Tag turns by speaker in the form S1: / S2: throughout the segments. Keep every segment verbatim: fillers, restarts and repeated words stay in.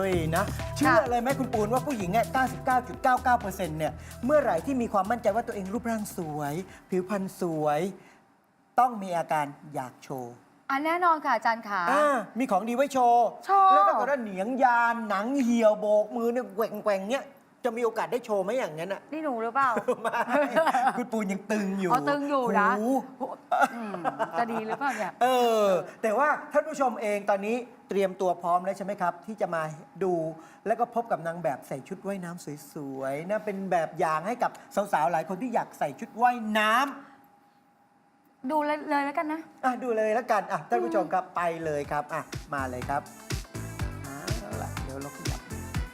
S1: ยนะเชื่อเลยไหมคุณปูนว่าผู้หญิงเนี่ย เก้าสิบเก้าจุดเก้าเก้าเปอร์เซ็นต์ เนี่ยเมื่อไหร่ที่มีความมั่นใจว่าตัวเองรูปร่างสวย ผิวพรรณสวย ต้องมีอาการอยากโชว์
S2: อันแน่นอนค่ะอาจารย์ขา
S1: อ่ามีของดีไว้โชว์
S2: โชว์
S1: แล้วถ้าเกิดว่าเหนียงยานหนังเหี่ยวโบกมือเนี่ยแกว่งแกว่งๆเนี่ยจะมีโอกาสได้โชว์ไหมอย่างนั้นอ่ะ
S2: นี่หนูหรือเปล่า
S1: ไม่คุณปูนยังตึงอยู่
S2: เอาตึงอยู่นะ
S1: หู
S2: อืมจะดีหรือเปล่าเนี่ย
S1: เออแต่ว่าท่านผู้ชมเองตอนนี้เตรียมตัวพร้อมแล้วใช่ไหมครับ ที่จะมาดูแล้วก็พบกับนางแบบใส่ชุดว่ายน้ำสวยๆนะเป็นแบบอย่างให้กับสาวๆหลายคนที่อยากใส่ชุดว่ายน้ำ
S2: ดูเลยเลยแล้วกันนะ
S1: อ่ะดูเลยแล้วกันอ่ะท่านผู้ชมครับไปเลยครับอ่ะมาเลยครับเอาล่ะเดี๋ยวเราขยับ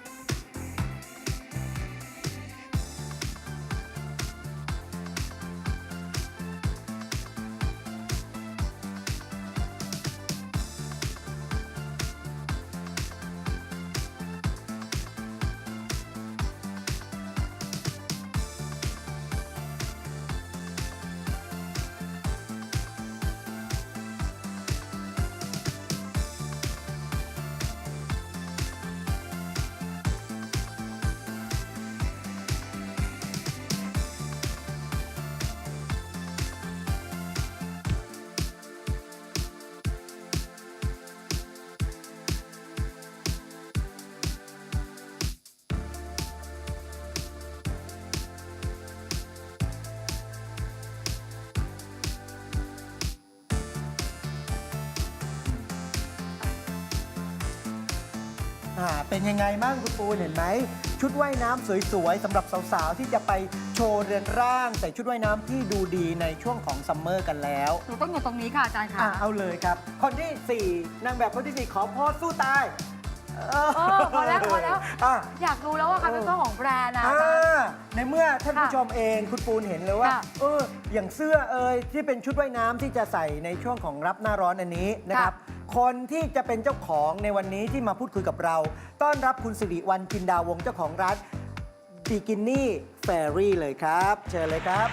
S1: อ่าเป็นยังไงบ้างคุณปูนเห็นไหมชุดว่ายน้ำสวยๆสำหรับสาวๆที่จะไปโชว์เรือนร่างใส่ชุดว่ายน้ำที่ดูดีในช่วงของซัมเมอร์กันแล้ว
S2: หนูต้องอยู่ตรงนี้ค่ะอาจารย์
S1: อ่ะ
S2: ค่ะ
S1: เอาเลยครับ คนที่สี่นางแบบคนที่สี่ขอโพสสู้ตายเออ
S2: เออพอแล้วพอแล้ว
S1: อ่ะ
S2: อยากรู้แล้วว่าใครเป็นเจ้าของแบรนด์นะอา
S1: อ่า
S2: จารย์
S1: ในเมื่อท่านผู้ชมเองคุณปูนเห็นเลยว่า
S2: ค่ะ
S1: เอออย่างเสื้อเอยที่เป็นชุดว่ายน้ำที่จะใส่ในช่วงของรับหน้าร้อนอันนี้นะครับ คนที่จะเป็นเจ้าของในวันนี้ที่มาพูดคุยกับเรา ต้อนรับคุณสิริวัลย์จินดาวงศ์เจ้าของร้านบิกินี่แฟรี่เลยครับ เชิญเลยครับ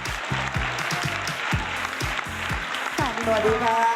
S1: สวัสดีครับ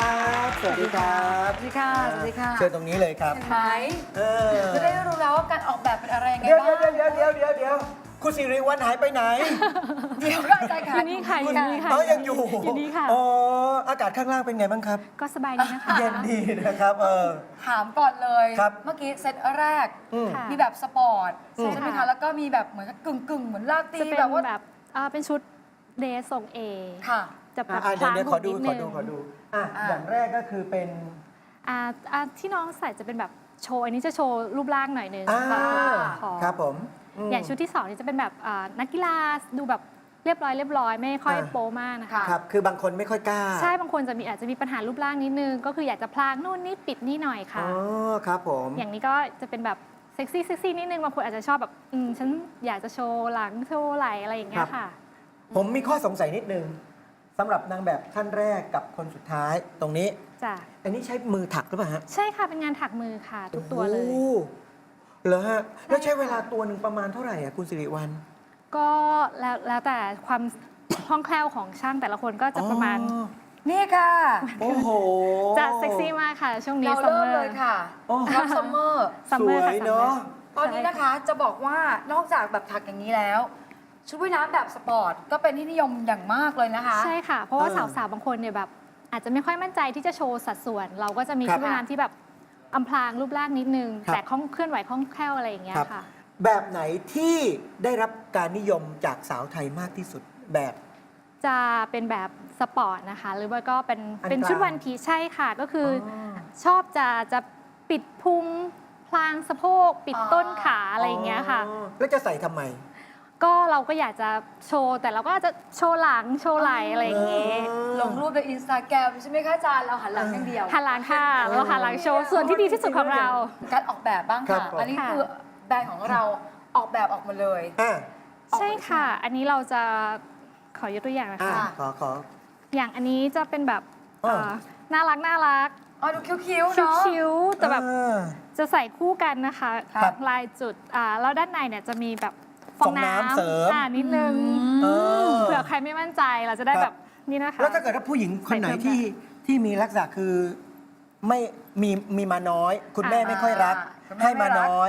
S1: สวัสดีครับ
S2: สวัสดีค่ะสวัสดีค่ะ
S1: เชิญตรงนี้เลยครับ
S2: เห็นไหม
S1: เออ
S2: จะได้รู้แล้วว่าการออกแบบเป็นอะไรยังไง
S1: เดี๋ยว
S2: บ้าง
S1: เดี๋ยวเดี๋ยวเดี๋ยวเดี๋ยวเดี๋ยวคุณสิริวัลย์หายไปไหน
S2: เดี๋ยวก็อาจารย์ค่ะ
S3: อยู่นี่ค่ะอยู่นี่ค่ะ
S1: อ๋อยังอยู่
S3: อยู่นี่ค่ะ
S1: อ๋ออากาศข้างล่างเป็นไงบ้างครับ
S3: ก็สบายดีนะคะ
S1: เย็นดีนะครับเออ
S2: ถามก่อนเลย
S1: ครับ
S2: เมื่อกี้เซตแรก
S1: อืม
S3: ค่ะ
S2: มีแบบสปอร์ต
S3: ใช่
S2: ใช่ไหม
S3: ค่ะ
S2: คะแล้วก็มีแบบเหมือนกับกึ่งกึ่งๆเหมือนลาตรี
S3: จะเป็น
S2: แบบว่า
S3: แบบอ่าเป็นชุดเดรสทรงเอ
S2: ค่ะ
S3: จะแบบ
S1: อ่ะเดี๋ยวเดี๋ยวขอดู
S3: พ
S1: ขอ
S3: ลาง
S1: ดู
S3: นิ
S1: ขอ
S3: นึง
S1: ดูอ่ะ
S2: อ่ะ
S1: อย่างแรกก็คือเป็น
S3: อ่าอ่าที่น้องใส่จะเป็นแบบโชว์อันนี้จะโชว์รูปร่างหน่อยนึง
S1: อ่า
S3: ขอ
S1: ครับผมม
S3: อย่างชุดที่สองนี่จะเป็นแบบอ่านักกีฬาดูแบบเรียบร้อยเรียบร้อยไม่ค่อย
S1: อ่า
S3: โป๊มากนะคะ
S1: ครับคือบางคนไม่ค่อยกล้า
S3: ใช่บางคนจะมีอาจจะมีปัญหารูปร่างนิดนึง ก็คืออยากจะพลางนู่นนี่ปิดนี่หน่อย
S1: อ๋
S3: ค่ะ
S1: อครับผม
S3: อย่างนี้ก็จะเป็นแบบเซ็กซี่เซ็กซี่นิดนึงบางคนอาจจะชอบแบบอืมฉันอยากจะโชว์หลังโชว์ไหล่อะไรอย่างเงี้ยค่ะ
S1: ผมมีข้อสงสัยนิดนึงสำหรับนางแบบท่านแรกกับคนสุดท้ายตรงนี้
S3: จ้ะ
S1: อันนี้ใช้มือถักหรือเปล่าฮะ
S3: ใช่ค่ะ เป็นงานถักมือค่ะ ทุกตัวเลย
S1: โอ้เหรอฮะ แล้วใช้
S3: ค่ะ
S1: เวลาตัวหนึ่งประมาณเท่าไหร่อ่ะคุณสิริวัลย์
S3: ก็แล้วแล้วแต่ความ คล่องแคล่วของช่างแต่ละคนก็จะประมาณ
S1: อ๋อ
S2: นี่ค่ะ
S1: โอ้โห
S3: จะเซ็กซี่มากค่ะ ช่วงนี้
S2: เรา
S3: ซัม
S2: เริ่ม
S3: เมอ
S2: เลย
S3: ร์
S2: ค่ะ
S1: โอ้
S2: รับซัมเมอร์
S3: ซัม
S1: ส
S3: เมอ
S1: ว
S3: ร์ค่ะ
S1: ย
S3: ซัมเมอ
S1: เนาะ
S3: ร์
S2: ตอนนี้นะคะจะบอกว่านอกจากแบบถักอย่างนี้แล้ว ชุดว่ายน้ำแบบสปอร์ตก็เป็นที่นิยมอย่างมากเลยนะคะ
S3: ใช่ค่ะ เพราะว่า
S1: เออ
S3: สาวๆ บางคนเนี่ยแบบอาจจะไม่ค่อยมั่นใจที่จะโชว์สัดส่วน เราก็จะมี
S1: ครับ
S3: ชุดว่ายน้ำที่แบบอำพรางรูปร่างนิดนึง
S1: ครับ
S3: แต่คล่องเคลื่อนไหวคล่องแคล่วอะไรอย่างเงี้ย
S1: ครับ
S3: ค่ะ
S1: แบบไหนที่ได้รับการนิยมจากสาวไทยมากที่สุดแบบ
S3: จะเป็นแบบสปอร์ตนะคะ หรือว่าก็เป็น
S1: อัน
S3: เป็นชุด
S1: กลาง
S3: วันพีชใช่ค่ะ ก็คืออ
S1: อ
S3: ชอบจะจะปิดพุงพลางสะโพก ปิดต้นขาอะไรอย่างเงี้ยค่ะ
S1: อ๋อแล้วจะใส่ทำไม
S3: ก็เราก็อยากจะโชว์แต่เราก็จะโชว์หลังโชว์ไหล่อะไรอย่างเงี้ย
S2: ลงรูปในอินสตาแกรมใช่ไหมคะอาจารย์เราหันหลังอย่างเดียว
S3: หันหลังค่ะ เราหันหลังโชว์ส่วนที่ดีที่สุดของเรา
S2: การออกแบบบ้าง
S1: ครั
S2: ค่ะ
S1: บผม
S2: อันนี้คือแบรนด์ของเราออกแบบออกมาเลย
S1: อ่ะ
S3: ใช่ค่ะ อันนี้เราจะขอยกตัวอย่างนะ
S1: อ่ะ
S3: คะ
S1: ขอขอ
S3: อย่างอันนี้จะเป็นแบบ
S1: อ่า
S3: เอ่อน่ารักน่ารัก
S2: อ๋อดูคิ้วๆเนาะ
S3: คิ้วๆแต่แบบ
S1: อ่า
S3: จะใส่คู่กันนะคะ
S1: ครับ
S3: ลายจุดอ่าแล้วด้านในเนี่ยจะมีแบบฟ
S1: ฟ
S3: อ
S1: อง ง
S3: น้ำ
S1: น้ำเสริม
S3: อ่านิดนึง
S1: เออ
S3: เผื่อใครไม่มั่นใจเราจะได้
S1: ครับ
S3: แบบนี่นะคะ
S1: แล้วถ้าเกิดว่าผู้หญิงคนไหน
S3: ใส่เพิ่ม
S1: ที่ที่มีลักษณะคือไม่มีมีมาน้อย คุณแม่
S3: อ่า
S1: ไม่ค่อยรัก
S2: คุณแม่
S1: ให้มา
S2: ไม่รัก
S1: น้อย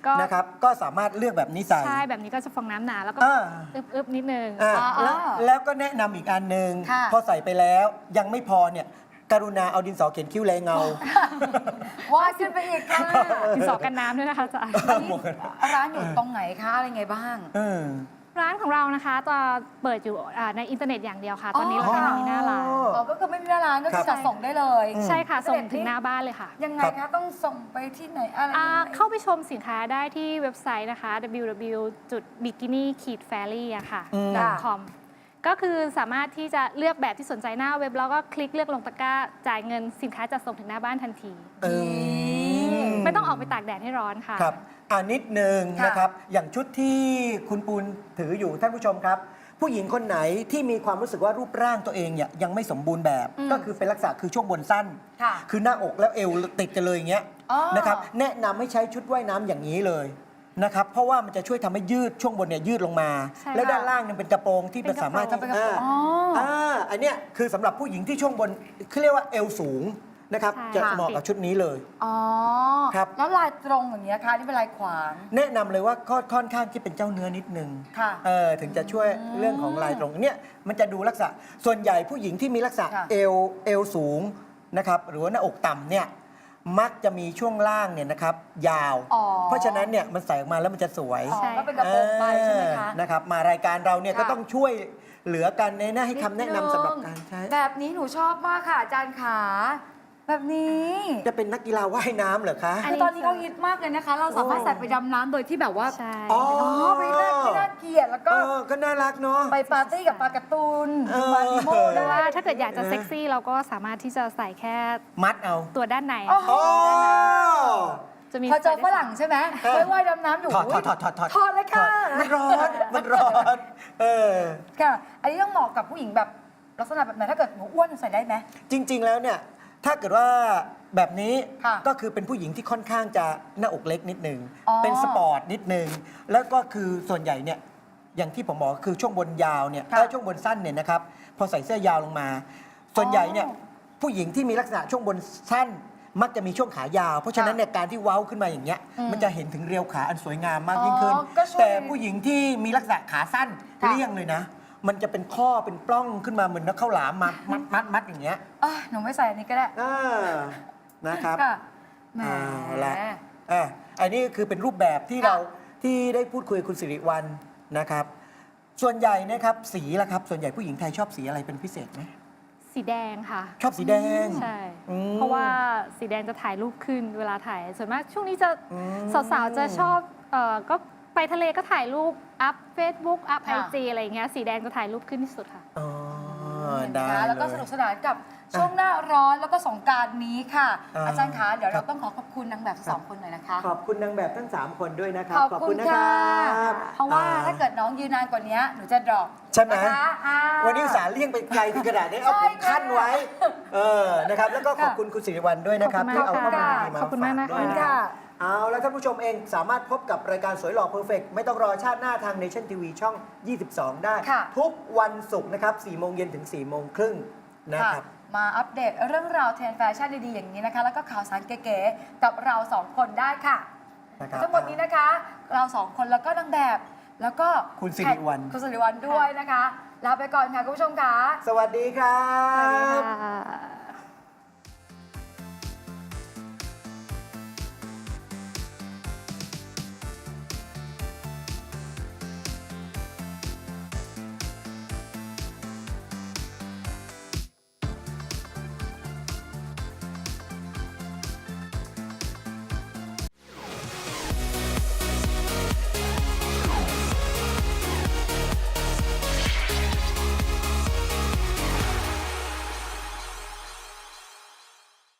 S3: ก็
S1: นะครับก็สามารถเลือกแบบนี้ใส่
S3: ใช่แบบนี้ก็จะฟองน้ำหนาแล้วก็
S1: อ่า
S3: อึบๆนิดนึง
S1: อ่า
S2: อ่า
S1: แล้วแล้วก็แนะนำอีกอันหนึ่ง
S2: ค่ะ
S1: พอใส่ไปแล้วยังไม่พอเนี่ยกรุณาเอาดินสอเขียนคิ้วแรงเงา
S2: วาดขึ้นไปอีกค่ะ
S3: ดินสอกันน้ำด้วยนะคะอาจารย์
S2: อันนี้ร้านอยู่ตรงไหนคะอะไรไงบ้าง
S1: เออ
S3: ร้านของเรานะคะจะเปิดอยู่อ่าในอินเทอร์เน็ตอย่างเดียวค่ะ ตอนนี้เราไม่มีหน้าร้าน
S1: อ๋อ
S2: อ๋อก็คือไม่มีหน้าร้านก็
S1: ครั
S2: คือบ จัดส่งได้เลย
S1: อืม
S3: ใช่ค่ะ
S2: อินเทอ
S3: ส่
S2: ร์
S3: ง
S2: เน็ต
S3: ถึง
S2: นี่
S3: หน้าบ้านเลยค่ะ
S2: ยังไง
S1: ครั
S2: คะ
S1: บ
S2: ต้องส่งไปที่ไหนอะไร
S3: อ่า
S2: ยังไง
S3: เข้าไปชมสินค้าได้ที่เว็บไซต์นะคะ ดับเบิลยู ดับเบิลยู ดับเบิลยู จุด บิกินี่ แฟรี่ อะค่ะ
S1: อืม
S3: .com ก็คือสามารถที่จะเลือกแบบที่สนใจหน้าเว็บ แล้วก็คลิกเลือกลงตะกร้า จ่ายเงินสินค้าจะส่งถึงหน้าบ้านทันที
S1: เออ
S3: ไม่ต้องออกไปตากแดดให้ร้อนค่ะ
S1: ครับอ่านิดหนึ่ง
S2: ค่ะ
S1: นะครับ อย่างชุดที่คุณปูนถืออยู่ท่านผู้ชมครับ ผู้หญิงคนไหนที่มีความรู้สึกว่ารูปร่างตัวเองเนี่ยยังไม่สมบูรณ์แบบ
S2: อืม
S1: ก็คือเป็นลักษณะคือช่วงบนสั้น
S2: ค่ะ
S1: คือหน้าอกแล้วเอวติดกันเลยอย่างเงี้ย
S2: อ๋อ
S1: นะครับแนะนำให้ใช้ชุดว่ายน้ำอย่างนี้เลยนะครับเพราะว่ามันจะช่วยทำให้ยืดช่วงบนเนี่ยยืดลงมา
S3: ใช่
S1: แล้วด้านล่างเนี่ยเป็นกระโปรงที่
S3: เป็
S1: มัน
S3: นกระโปรง
S1: สามารถที่
S2: เป็นกระโปรง
S1: อ่า
S2: อ๋ออ่
S1: อ่าอันเนี้ยคือสำหรับผู้หญิงที่ช่วงบนเขาเรียกว่าเอวสูงนะครับ
S3: ใช่
S1: จะ
S3: ค่ะ
S1: เหมาะกับชุดนี้เลย
S2: อ๋อ
S1: ครับ
S2: แล้วลายตรงอย่างเงี้ยคะนี่เป็นลายขวาง
S1: แนะนำเลยว่าก็ค่อนข้างที่เป็นเจ้าเนื้อนิดนึง
S2: ค่ะ
S1: เออถึงจะช่วยเรื่องของลายตรงเนี่ยมันจะดูลักษณะส่วนใหญ่ผู้หญิงที่มีลักษณะ
S2: ค่ะ
S1: เอวเอวสูงนะครับหรือว่าหน้าอกต่ำเนี่ยมักจะมีช่วงล่างเนี่ยนะครับยาว
S2: อ๋อ
S1: เพราะฉะนั้นเนี่ยมันใส่ออกมาแล้วมันจะสวย
S2: อ๋อก็เป็นกระโปรงไปใช่ไหมคะ
S1: เออนะครับมารายการเราเนี่ย
S2: ค่ะ
S1: ก็ต้องช่วยเหลือกันในหน้าให้คำแนะนำสำหรับการใช้
S2: แบบนี้หนูชอบมากค่ะอาจารย์ขาแบบนี้
S1: จะเป็นนักกีฬาว่ายน้ำเหรอคะ
S3: อัน
S2: คื
S3: นี้
S2: อตอนนี้เขาฮิตมากเลยนะคะ เราสามารถใส่ไปดำน้ำโดยที่แบบว่า
S3: ใช่
S1: อ๋อ
S2: อ๋อไม่น่าไม่น่าเกลียดแล้ว
S1: เอ
S2: ก็
S1: อก็น่ารักเนาะ
S2: ไปปาร์ตี้กับปลาการ์ตูน
S1: เออ
S2: มาริโม
S3: หรื
S2: ได้
S3: อว่าถ้าเกิดอยากจะเซ็กซี่เราก็สามารถที่จะใส่แค่
S1: มัดเอา
S3: ตัวด้านใน
S2: โอ้โห
S1: โอ้
S3: จะมี
S2: พอเจอฝรั่งใช่ไหม
S1: เออ
S2: ไปว่ายดำน้ำอยู่
S1: ถอดถอดถอดถอดถอด
S2: ถอดเลยค่ะ
S1: มันร้อนมันร้อนเออ
S2: ค่ะ อันนี้ต้องเหมาะกับผู้หญิงแบบลักษณะแบบไหนถ้าเกิดหนูอ้วนใส่ได้ไหม
S1: จริง ๆ แล้วเนี่ยถ้าเกิดว่าแบบนี้
S2: ค่ะ
S1: ก็คือเป็นผู้หญิงที่ค่อนข้างจะหน้าอกเล็กนิดนึง
S2: อ๋อ
S1: เป็นสปอร์ตนิดนึง แล้วก็คือส่วนใหญ่เนี่ยอย่างที่ผมบอกคือช่วงบนยาวเนี่ย
S2: ค่ะ
S1: เอ้ยช่วงบนสั้นเนี่ยนะครับพอใส่เสื้อยาวลงมา ส่วนใหญ่เนี่ย
S2: อ๋อ
S1: ผู้หญิงที่มีลักษณะช่วงบนสั้น มักจะมีช่วงขายาว เพราะฉะนั้นเนี่ยการที่เว้าขึ้นมาอย่างเงี้ย
S2: อืม
S1: มันจะเห็นถึงเรียวขาอันสวยงามมากยิ่งขึ้น
S2: อ๋อก็ช่วย
S1: แต่ผู้หญิงที่มีลักษณะขาสั้น
S2: ค่ะ
S1: เลี่ยงเลยนะ มันจะเป็นข้อเป็นปล้องขึ้นมาเหมือนนักข้าวหลามมัดมัดมัดมัดอย่างเงี้ย
S2: อ่ะหนูไม่ใส่อันนี้ก็ได้
S1: อ่านะครับ
S2: ค่ะแหม
S1: เอาละอ่ะอันนี้คือเป็นรูปแบบที่
S2: ค่ะ
S1: เราที่ได้พูดคุยกับคุณสิริวัลนะครับ ส่วนใหญ่นะครับสีละครับ ส่วนใหญ่ผู้หญิงไทยชอบสีอะไรเป็นพิเศษไหม
S3: สีแดงค่ะ
S1: ชอบสีแดง
S3: ใช่
S1: อืม
S3: เพราะว่าสีแดงจะถ่ายรูปขึ้นเวลาถ่าย ส่วนมากช่วงนี้จะ
S1: อืม
S3: สาวๆจะชอบเอ่อก็ไปทะเลก็ถ่ายรูป อัพ Facebook อัพไอ
S2: ค่ะ
S3: จีอะไรอย่างเงี้ยสีแดงจะถ่ายรูปขึ้นที่สุดค่ะ
S1: อ๋อ
S2: เห็นไหม
S1: ได้
S2: คะแล้วก็
S1: เย
S2: สนุกสนานกับช่วงหน้าร้อนแล้วก็สงกรารนี้ค่ะ
S1: อ่า
S2: อาจารย์คะเดี๋ยว
S1: ครั
S2: เรา
S1: บ
S2: ต้องขอขอบคุณนางแบบสองคนหน่อยนะคะ
S1: ขอบคุณนางแบบทั้ง สาม คนด้วยนะครับ
S2: ขอบคุณ
S1: นะ
S2: ค่ะ
S1: ครับ
S2: เพราะว่าถ้าเกิดน้องยืนนานกว่านี้หนูจะดรอป
S1: ใช่ไหม
S2: นะคะอ่า
S1: วันนี้อุตส่าห์เลี่ยงไปไกลถึงขนาดนี้เอา
S2: ใช่
S1: ผมขั้นไว้ เออนะครับ แล้วก็ขอบ
S2: ค่ะ
S1: คุณคุณสิริวัลด้วยนะครับ
S3: ขอบคุณ
S1: ที่เอา
S3: มาก
S1: ข้อมูล
S3: ค่ะ
S1: ดีๆมา
S3: ขอบคุณมาก
S1: ฝ
S3: นะคะ
S1: ด้วยนะค
S2: ค่ะ
S1: รับเอาแล้วท่านผู้ชมเองสามารถพบกับรายการสวยหล่อเพอร์เฟกไม่ต้องรอชาติหน้าทาง Nation ที วี ช่อง ยี่สิบสอง ได้
S2: ค่ะ
S1: ทุกวันศุกร์นะครับสี่โมงเย็นถึงสี่โมงครึ่งนะ
S2: ค่ะ
S1: ครับ
S2: มาอัปเดตเรื่องราวเทรนด์แฟชั่นดีๆอย่างนี้นะคะ แล้วก็ข่าวสารเก๋ๆกับเราสองคนได้ค่ะ
S1: นะครับ
S2: ทั้งหมดนี้นะคะ เราสองคนแล้วก็นางแบบ แล้วก็
S1: คุณสิริวัลย์
S2: คุณสิริวัลย์ด้วยนะคะลาไปก่อนค่ะคุณผู้ชมค่ะ
S1: สวัสดีครั
S3: สวัสดี
S1: บ
S3: ค่ะ